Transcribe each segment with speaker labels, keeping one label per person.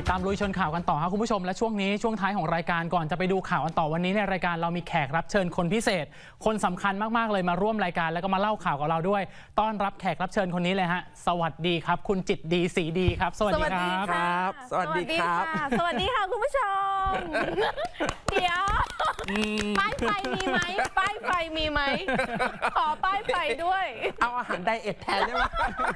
Speaker 1: ดตามลุยชนข่าวกันต่อครับคุณผู้ชมและช่วงนี้ช่วงท้ายของรายการก่อนจะไปดูข่าวกันต่อวันนี้ในรายการเรามีแขกรับเชิญคนพิเศษคนสำคัญมากๆเลยมาร่วมรายการแล้วก็มาเล่าข่าวกับเราด้วยต้อนรับแขกรับเชิญคนนี้เลยฮะสวัสดีครับคุณจิตดีศรีดีครับสวัสดีครับ
Speaker 2: สวัสดีครับ
Speaker 3: สวัสดีค่ะคุณผู้ชมเดี๋ยวป้ายไฟมีไหมป้ายไฟมีไหมขอป้ายไฟด้วย
Speaker 2: เอาอาหารไดเอทแทนได้ไหม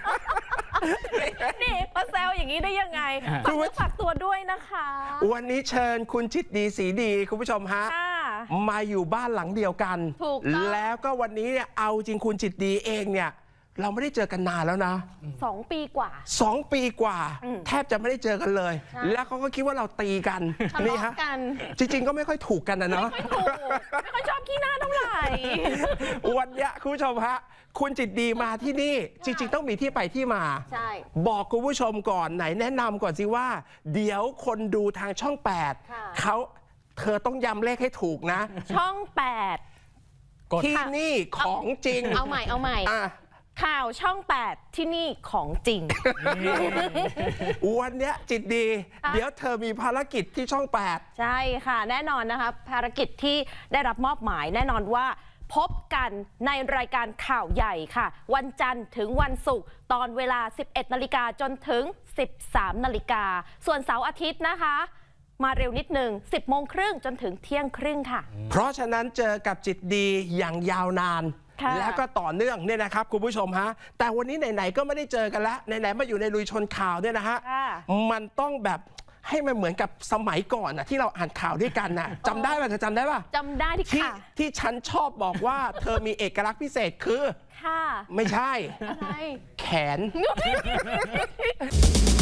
Speaker 3: นี่มาแซวอย่างนี้ได้ยังไงฝากตัวด้วยนะคะ
Speaker 2: วันนี้เชิญคุณจิตดีศรีดีคุณผู้ชมฮะมาอยู่บ้านหลังเดียวกันแล้วก็วันนี้เนี่ยเอาจริงคุณจิตดีเองเนี่ยเราไม่ได้เจอกันนานแล้วนะ
Speaker 3: 2 ปีกว่า
Speaker 2: 2 ปีกว่าแทบจะไม่ได้เจอกันเลยแล้วเขาก็คิดว่าเราตีกันนี่ฮะจริงๆก็ไม่ค่อยถูกกันนะเนาะ
Speaker 3: ไม่ค่อยชอบขี้หน้าเท่าไหร่
Speaker 2: วันนี้คุณผู้ชมฮะคุณจิตดีมาที่นี่จริงๆต้องมีที่ไปที่มาบอกคุณผู้ชมก่อนไหนแนะนำก่อนสิว่าเดี๋ยวคนดูทางช่อง8เธอต้องย้ำเลขให้ถูกนะ
Speaker 3: ช่อง8
Speaker 2: ที่นี่ของจริง
Speaker 3: เอาใหม่ข่าวช่อง8ที่นี่ของจริง
Speaker 2: วันนี้จิตดีเดี๋ยวเธอมีภารกิจที่ช่อง8
Speaker 3: ใช่ค่ะแน่นอนนะคะภารกิจที่ได้รับมอบหมายแน่นอนว่าพบกันในรายการข่าวใหญ่ค่ะวันจันทร์ถึงวันศุกร์ตอนเวลา 11 นาฬิกาจนถึง 13 นาฬิกาส่วนเสาร์อาทิตย์นะคะมาเร็วนิดนึง 10 โมงครึ่งจนถึงเที่ยงครึ่งค่ะ
Speaker 2: เพราะฉะนั้นเจอกับจิตดีอย่างยาวนานแล้วก็ต่อเนื่องเนี่ยนะครับคุณผู้ชมฮะแต่วันนี้ไหนๆก็ไม่ได้เจอกันแล้วไหนๆมาอยู่ในลุยชนข่าวเนี่ยนะฮะมันต้องแบบให้มันเหมือนกับสมัยก่อนนะที่เราอ่านข่าวด้วยกันนะจำได้ป่ะเธอจำได้ป่ะ
Speaker 3: จำได้
Speaker 2: ที่ฉันชอบบอกว่าเธอมีเอกลักษณ์พิเศษคือไม่ใช่แขน